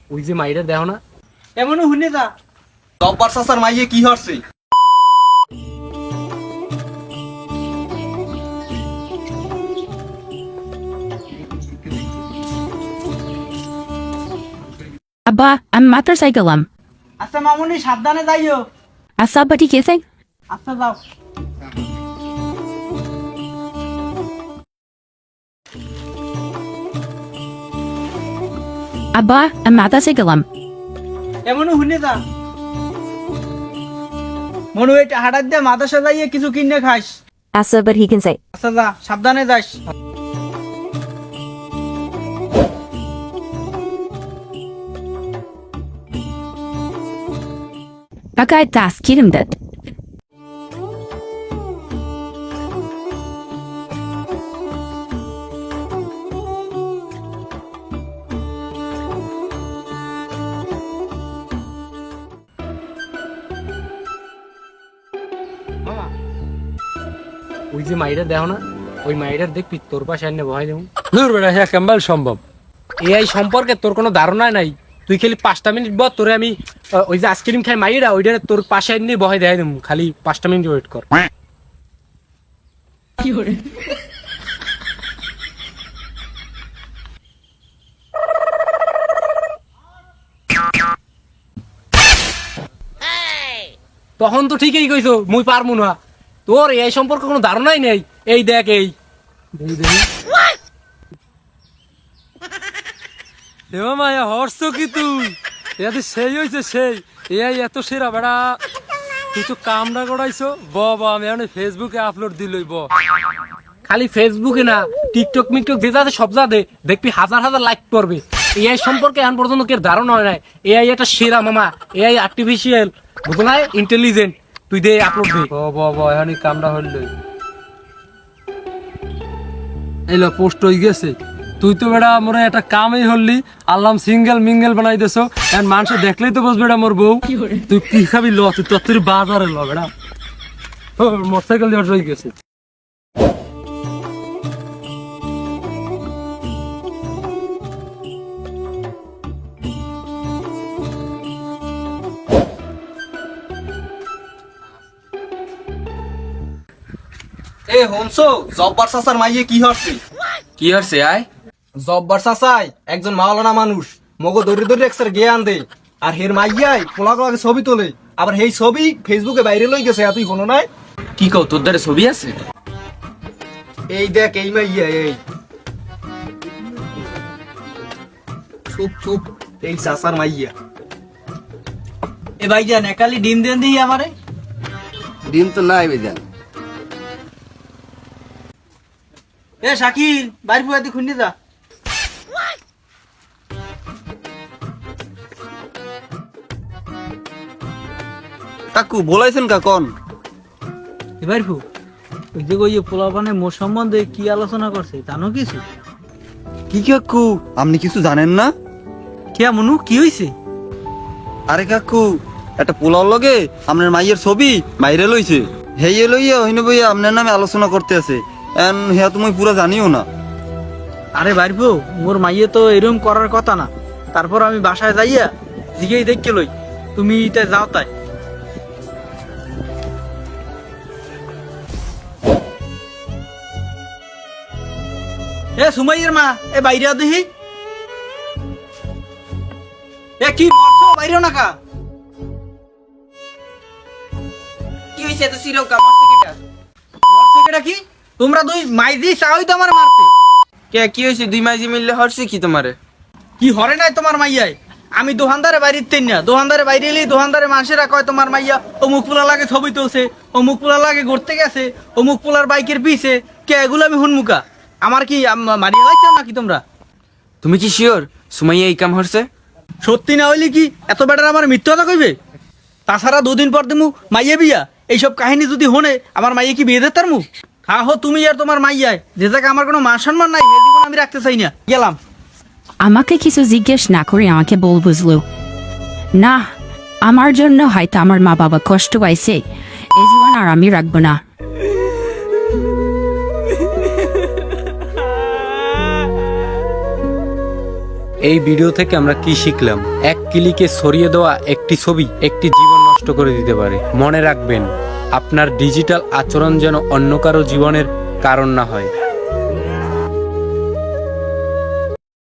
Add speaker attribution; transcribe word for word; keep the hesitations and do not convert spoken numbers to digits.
Speaker 1: ওই যে মাইরা দেখো না
Speaker 2: এমনও হুনে যা
Speaker 3: জব্বার চাচার মাইয়ে কি হচ্ছে?
Speaker 4: Abba, I'm motorcycle.
Speaker 2: আচ্ছা মামুনি সাবধানে যাইও।
Speaker 4: Asa bati kising?
Speaker 2: আচ্ছা যাও।
Speaker 4: Abba, I'm motorcycle.
Speaker 2: এমনও হুনে যা মনু এই হাটার দিয়ে মাদ্রাসা যাইয়ে কিছু কিনে খাইস।
Speaker 5: Asa, but he can say.
Speaker 2: আচ্ছা যা সাবধানে যাইস।
Speaker 4: Baka das kirim that.
Speaker 1: মামা ওই যে মাইরা দেখো না ওই মাইরার দেখবি তোর পাশে আনে বহাই দেবো।
Speaker 6: দূর বেটা, হ্যাঁ কেমন সম্ভব?
Speaker 1: এআই সম্পর্কে তোর কোনো ধারণা নাই। তুই খালি পাঁচটা মিনিট বল, তোরে আমি আহ, ওই যে আইসক্রিম খাই মাইরা ওইটা তোর পাশে আনে বহাই দেখাই দেবো। খালি পাঁচটা মিনিট ওয়েট কর। তখন তো ঠিকই কইছো মুই পারমু না। তোর এই সম্পর্কে কোনো ধারণাই নেই। এই দেখ এই দেখি দেখি
Speaker 6: এ মামা এ হর্ষ কি তুই? এতে সেই হয়েছে সেই এই এত সেরা বেড়া। তুই তো কামড়া গড়াইছো। ব ব আমি এখন ফেসবুকে আপলোড দিলই ব।
Speaker 1: খালি ফেসবুকে না, টিকটক মিকটক যে যাতে সব যাতে দেখবি হাজার হাজার লাইক করবে। এআই সম্পর্কে এখন পর্যন্ত কেউ ধারণা হয় নাই। এআই একটা সেরা মামা। এআই আর্টিফিশিয়াল বুঝো না, ইন্টেলিজেন্ট। তুই দে আপলোড দে।
Speaker 6: ব ব ব এখন কামড়া হইলই। এইলো পোস্ট হয়ে গেছে। তুই তো বেড়া মোরে একটা কামই হললি। আল্লাহ সিঙ্গেল মিঙ্গেল বানাই দেছো। এখন মানুষ দেখলেই তো বুঝবে এটা মোর বউ। তুই কি খাবি ল, তুই তোর তুই বাজারে ল বেড়া। মোটরসাইকেল দিয়ে হয়ে গেছে।
Speaker 3: এ হনসো, জব্বার চাচার মাইয়ে কি হচ্ছে?
Speaker 7: কি হচ্ছে আয়?
Speaker 3: জব্বার চাচাই একজন মাওলানা মানুষ, মগো দরি দরি একসার জ্ঞান দে। আর হের মাইয়াই পোলা গোলাকে ছবি তোলে। আবার সেই ছবি ফেসবুকে বাইরে লই গেছে। তুই কোনো নাই?
Speaker 7: কি কও, তোর দ্বারা ছবি আছে?
Speaker 3: এই দেখ এই মাইয়া, এই চুপ চুপ, এই চাচার মাইয়া।
Speaker 2: এ ভাইজান একালি ডিম দেন দিই আমারে।
Speaker 7: ডিম তো নাই বেজান।
Speaker 2: এ শাকিল বাইর ফুয়াতে খুঁজে যা।
Speaker 3: কাকু বলাইছেন কাকন?
Speaker 2: এবার ফু ওই যে ওই পোলাপানে মোর সম্বন্ধে কি আলোচনা করছে জানো কিছু?
Speaker 3: কি কাকু আপনি কিছু জানেন না?
Speaker 2: কে মনু কি হইছে?
Speaker 3: আরে কাকু একটা পোলার লগে আপনার মাইয়ের ছবি বাইরে লইছে। হেয়ে লইয়া হইন বইয়া আপনার নামে আলোচনা করতে আছে। এন হেয়া তুমি পুরো জানিও না।
Speaker 2: আরে বাইরবো মোর মাইয়ে তো এরকম করার কথা না। তারপর আমি বাসায় যাইয়া জিগেই দেখকে লই। তুমি এটা যাও তাই। এ সুমাইয়ের মা, এ বাইরে দেখি। এ কি মরছো, বাইরে না কা?
Speaker 7: কি হইছে এত সিরকা মরছে কেটা?
Speaker 2: মরছো কেটা কি? তোমরা দুই মাইজি চাওই তো আমার মারতে।
Speaker 7: কে কি হইছে? দুই মাঝি মিললে হরছে কি তোমারে?
Speaker 2: কি হরে নাই তোমার মাইয়াই? আমি দোকানদারে বাইরে না, দোকানদারে বাইরে এলেই দোকানদারে মানুষেরা কয় তোমার মাইয়া অমুক পোলা লাগে ছবি তুলছে, অমুক পোলা লাগে ঘুরতে গেছে, অমুক পোলার বাইকের পিছে। কে এগুলো আমি হুনমুকা? আমার কি আম- মারিয়া লাগছে নাকি তোমরা?
Speaker 7: তুমি কি শিওর সুমাইয়া এই কাম হরছে?
Speaker 2: সত্যি না হইলে কি এত বেটার আমার মিথ্যা কথা কইবে? তাছাড়া দুদিন পর দিমু মাইয়া বিয়া। এইসব কাহিনী যদি হনে আমার মাইয়া কি বিয়ে দিতার মু? হা হো তুমি আর তোমার মাইয়ায় যে জায়গায় আমার কোনো মান সম্মান নাই, এই জীবন আমি রাখতে চাই না। গেলাম।
Speaker 4: আমাকে কিছু জিজ্ঞেস না করে আমাকে বল বুঝলো না। আমার জন্য হয়তো আমার মা বাবা কষ্ট পাইছে। এই জীবন আর আমি রাখবো না।
Speaker 1: এই ভিডিও থেকে আমরা কি শিখলাম? এক ক্লিকে ছড়িয়ে দেওয়া একটি ছবি একটি জীবন নষ্ট করে দিতে পারে। মনে রাখবেন, আপনার ডিজিটাল আচরণ যেন অন্য কারো জীবনের কারণ না হয়।